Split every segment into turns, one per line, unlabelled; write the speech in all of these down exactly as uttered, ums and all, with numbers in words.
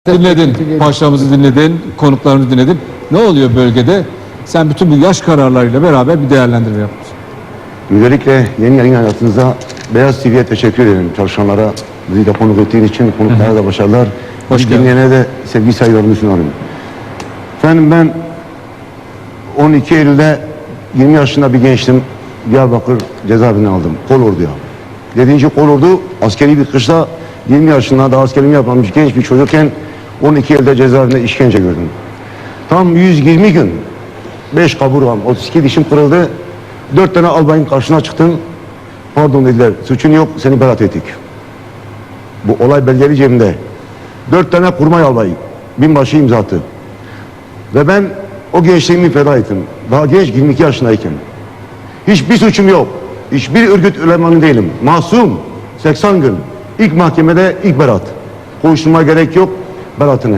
Dinledin, paşamızı dinledin, konuklarımızı dinledin. Ne oluyor bölgede? Sen bütün bu yaş kararlarıyla beraber bir değerlendirme yapmışsın.
Öncelikle yeni yayın hayatınıza Beyaz T V'ye teşekkür ederim. Çalışanlara, bizi de konuk ettiğin için konuklara da başarılar.
Hoş geldin.
Dinleyene de sevgi saygılarımı sunarım. Efendim ben on iki Eylül'de yirmi yaşında bir gençtim. Diyarbakır cezaevinden aldım. Kolordu'ya. Yedinci Kolordu askeri bir kışla yirmi yaşında daha askerliğini yapmamış genç bir çocukken on iki Eylül'de cezaevinde işkence gördüm. Tam yüz yirmi gün beş kaburgam, otuz iki dişim kırıldı. dört tane albayın karşısına çıktım. Pardon dediler, suçun yok, seni beraat ettik. Bu olay belgeli cebimde. dört tane kurmay albayı, binbaşı imza attı. Ve ben o gençliğimi feda ettim. Daha genç, yirmi iki yaşındayken. Hiçbir suçum yok. Hiçbir örgüt elemanı değilim. Masum, seksen gün. İlk mahkemede ilk beraat. Konuşturma gerek yok, beraatine.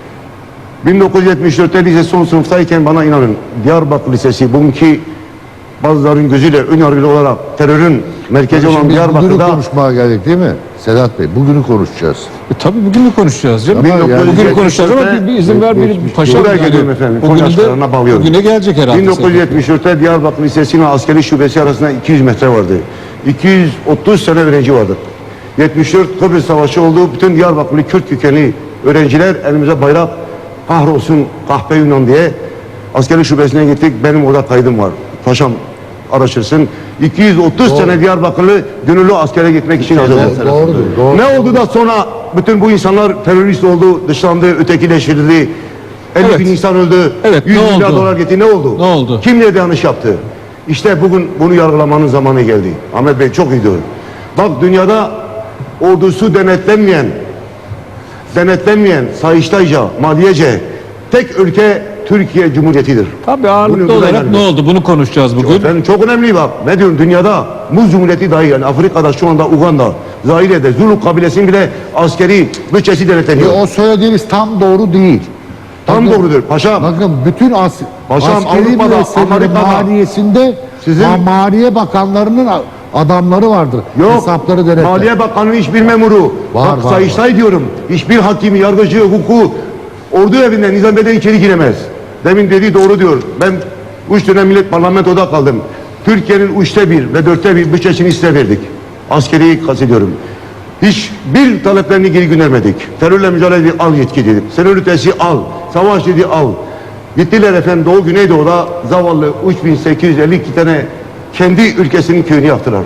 bin dokuz yüz yetmiş dörtte lise son sınıftayken bana inanın, Diyarbakır Lisesi bugünkü bazıların gözüyle ön yargılı olarak terörün merkezi olan
Bugünü
Diyarbakır'da
konuşmaya geldik değil mi? Sedat Bey, bugünü konuşacağız.
E, tabii bugünü konuşacağız canım.
Ama yani-
Bugünü konuşacağız ama bir, bir izin ver bir paşam.
Buraya geliyorum efendim,
Bugüne
Konya açıklarına bağlıyorum.
Bugüne gelecek herhalde.
bin dokuz yüz yetmiş dörtte Diyarbakır Lisesi ile askeri şubesi arasında iki yüz metre vardı. iki yüz otuz sene öğrenci vardı. yetmiş dört Kıbrıs Savaşı oldu. Bütün Diyarbakırlı Kürt kökenli öğrenciler elimize bayrak, kahrolsun kahpe Yunan diye askeri şubesine gittik. Benim orada kaydım var. Paşam araştırsın. iki yüz otuz
Doğru.
sene Diyarbakırlı gönüllü askere gitmek için hazırlandı.
Doğrudur, doğru.
Ne oldu da sonra bütün bu insanlar terörist oldu, dışlandı, ötekileştirildi. elli
Evet.
bin insan öldü.
Evet,
yüz
ne
milyar
oldu?
dolar gitti. Ne oldu?
Ne oldu?
Kim nerede yanlış yaptı? İşte bugün bunu yargılamanın zamanı geldi. Ahmet Bey çok iyi diyor. Bak dünyada ordusu denetlenmeyen, denetlenmeyen, Sayıştayca, Maliyece tek ülke Türkiye Cumhuriyeti'dir.
Tabii ağırlıklı
Bunu
olarak
öğrenelim.
ne oldu? Bunu konuşacağız bugün.
Efendim çok önemli bak. Ne diyorum dünyada Muz Cumhuriyeti dahi yani Afrika'da şu anda Uganda, Zaire'de Zulu kabilesinin bile askeri bütçesi
E,
denetleniyor.
o söylediğiniz tam doğru değil.
Tam
Bakın-
doğrudur paşam.
Bakın bütün as
Paşam,
askeri
Avrupa'da,
müesseselerin
Amerika'da
maliyesinde
sizin-
ma- Maliye Bakanlarının a- adamları vardır.
Yok.
Hesapları denetler.
Maliye Bakanı'nın hiçbir memuru.
Var,
Bak
var,
Sayıştay diyorum. Hiçbir hakimi, yargıcı, hukuku ordu evinden, nizameden içeri giremez. Demin dediği doğru diyor. Ben üç dönem millet parlamentoda kaldım. Türkiye'nin üçte bir ve dörtte bir bütçesini size verdik. Askeriyi kastediyorum. Hiçbir taleplerini geri göndermedik. Terörle mücadele dedik, al yetki dedik. Terör ötesi al. Savaş dedi al. Gittiler efendim Doğu Güneydoğu'da zavallı üç bin sekiz yüz elli iki tane kendi ülkesinin köyünü yaktılar.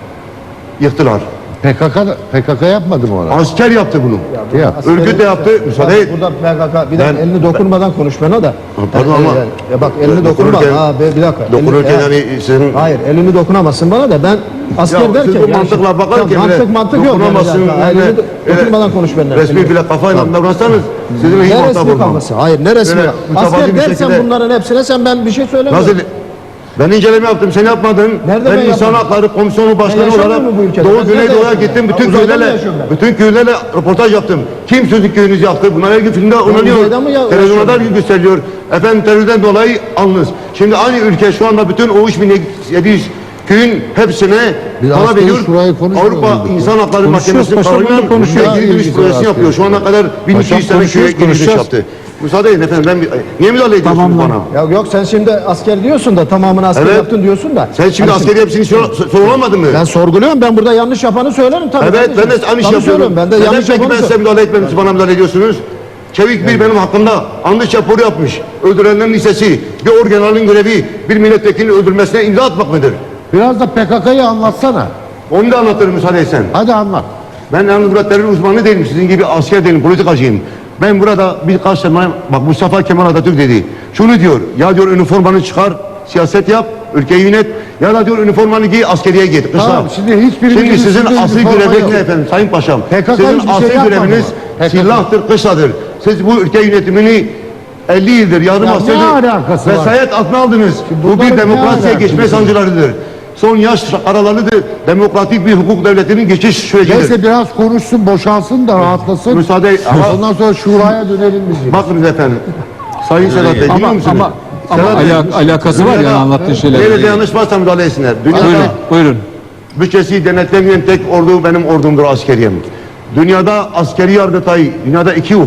Yıktılar.
P K K da- P K K yapmadı mı ona?
Asker yaptı bunu.
Ya.
Örgüt de yaptı. Müsaade et.
Burada P K K bir dakika
Ben-
elini dokunmadan konuş bana da.
pardon
Yani,
ama-
yani, ya bak elini dokunma.
Dokunurken-
Ha be- bir dakika.
Dokunurken
Elini-
hani sizin...
Hayır elini dokunamazsın bana da ben asker
Ya
derken.
siz bu
yani-
mantıkla bakarken
Ya mantık
bile
mantık yok. Yani,
dokunamazsın,
bir dakika.
öyle-
elini do-
öyle
dokunmadan konuş benden.
Resmi
Elini-
bile kafayla davransanız sizin hiç
Ne
muhatap
resmi
olmam.
kafası? Hayır ne resmi?
Böyle mütevazi
Asker
bir
dersen
şekilde-
bunların hepsine sen ben bir şey söylemiyorum.
Nasıl? Ben inceleme yaptım, sen yapmadın.
Nerede
ben
ben
insan
yapmadım?
hakları komisyonu başkanı
yaşamıyor
olarak
mu bu ülkede? Ben
Doğu
nerede
Güneydoğu'ya
yaşıyorum
gittim.
ben?
Bütün
Uzayda mı
köylerle,
yaşıyorum ben?
bütün köylerle röportaj yaptım. Kim sözlü köyünüzü yaktı? Bunlar her gün filmde oynanıyor.
uzayda mı ya-
Televizyonda her
yaşıyorum?
gün gösteriliyor. Efendim terörden dolayı alınız. Şimdi aynı ülke şu anda bütün o üç bin yedi yüz köyün hepsine
Bir
para
askeri
veriyor.
şurayı konuşmuyor
Avrupa
muyduk?
İnsan Hakları Mahkemesi
paşam, bunu
kararıyla
konuşuyoruz.
geri dönüş
İlgisi
projesini
var
yapıyor. Şu ana kadar bin iki yüz
Paşam,
tane köye
konuşuyoruz,
geri dönüş
konuşacağız.
yaptı. Müsaade edin efendim ben bir... Niye müdahale ediyorsunuz bana?
Ya yok sen şimdi asker diyorsun da tamamını asker
Evet.
yaptın diyorsun da.
Sen şimdi
Hani
askeri hepsini sor- sorulamadın mı?
Ben sorguluyorum. Ben burada yanlış yapanı söylerim tabii.
Evet ben de
kardeşim.
aynı şey
Tabii
yapıyorum.
söylüyorum, Ben de
Neden
yanlış
peki
yapanı
ben size
söylerim.
müdahale etmedim, bana müdahale ediyorsunuz? Çevik bir benim hakkımda andı raporu yapmış. Öldürenlerin listesi, bir orgeneralin görevi bir milletvekilini öldürmesine imza atmak mıdır?
Biraz da P K K'yı anlatsana.
Onu da anlatırım müsaade etsen.
Hadi anlat.
Ben yalnız burada terör uzmanı değilim, sizin gibi asker değilim, politikacıyım. Ben burada birkaç sene, bak Mustafa Kemal Atatürk dedi. Şunu diyor, ya diyor üniformanı çıkar, siyaset yap, ülkeyi yönet. Ya da diyor üniformanı giy, askeriye git. Kışla.
Tamam, şimdi hiçbirimizin
Şimdi sizin
üstünde
asli
üniforma
göreviniz
yok.
ne efendim Sayın Paşam?
P K K
Sizin
hiçbir şey
asli
yapmadı
göreviniz
mı? P K K.
silahtır, kışladır. Siz bu ülke yönetimini elli yıldır yardım
Ya ne
askerdir.
alakası var?
Vesayet altına aldınız. Bu
bunların
bir
ne
demokrasiye
alakası
geçme
var?
sancılarıdır. Son yaş aralarıdır. Demokratik bir hukuk devletinin geçiş sürecidir.
Neyse biraz konuşsun, boşalsın da rahatlasın.
Müsaade ama
Ondan sonra şuraya dönelim biz.
bakınız efendim. Sayın Sedat Bey dinliyor
Ama,
musunuz?
ama, ama
Sedat Bey,
alak- alakası var yani
dünyada
anlattığı şeyler.
Nerede yanlış varsa müdahale etsinler. Dünyada
Buyurun, buyurun.
bütçesi denetlemeyen tek ordu benim ordumdur, askeriyem. Dünyada askeri yargıtay, dünyada iki hukuk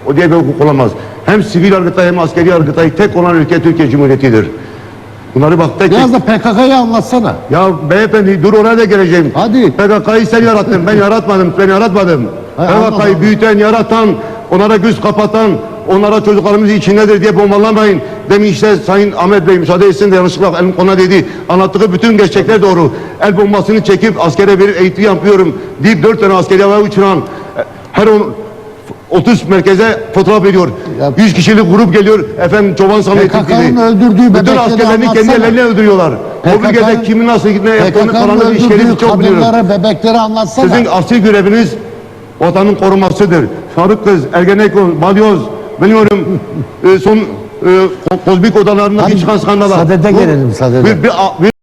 O diye bir hukuk olamaz. Hem sivil yargıtay hem askeri yargıtay tek olan ülke Türkiye Cumhuriyeti'dir. Bunları bak tek tek...
Biraz da P K K'yı anlatsana.
Ya beyefendi dur oraya da geleceğim.
Hadi.
P K K'yı sen yarattın, ben yaratmadım, ben yaratmadım.
Hay,
P K K'yı
anladım.
büyüten, yaratan, onlara göz kapatan, onlara çocuklarımız içindedir diye bombalamayın. Demin işte Sayın Ahmet Bey müsaade etsin de yanlışlıkla elim ona dedi. Anlattığı bütün gerçekler doğru. El bombasını çekip askere verip eğitim yapıyorum deyip dört tane askeri havaya uçuran her on otuz merkeze fotoğraf veriyor.
Ya-
yüz kişilik grup geliyor. Efendim çoban sandığı
P K K'nın öldürdüğü
bütün
bebekleri
askerlerini kendi
anlatsana.
elleriyle öldürüyorlar. O bölgede
P K K'nın
kimin nasıl ne yaptığını
P K K'nın
falan işleri
öldürdüğü
çok biliyoruz.
kadınlara, bebekleri anlatsana.
Sizin asli göreviniz vatanın korumasıdır. Sarık kız, Ergenekon, Balyoz, biliyorum e, son e, kozmik odalarında
Hadi
bir çıkan skandala.
sadede
Bu-
gelelim, sadede.
Bir, bir, bir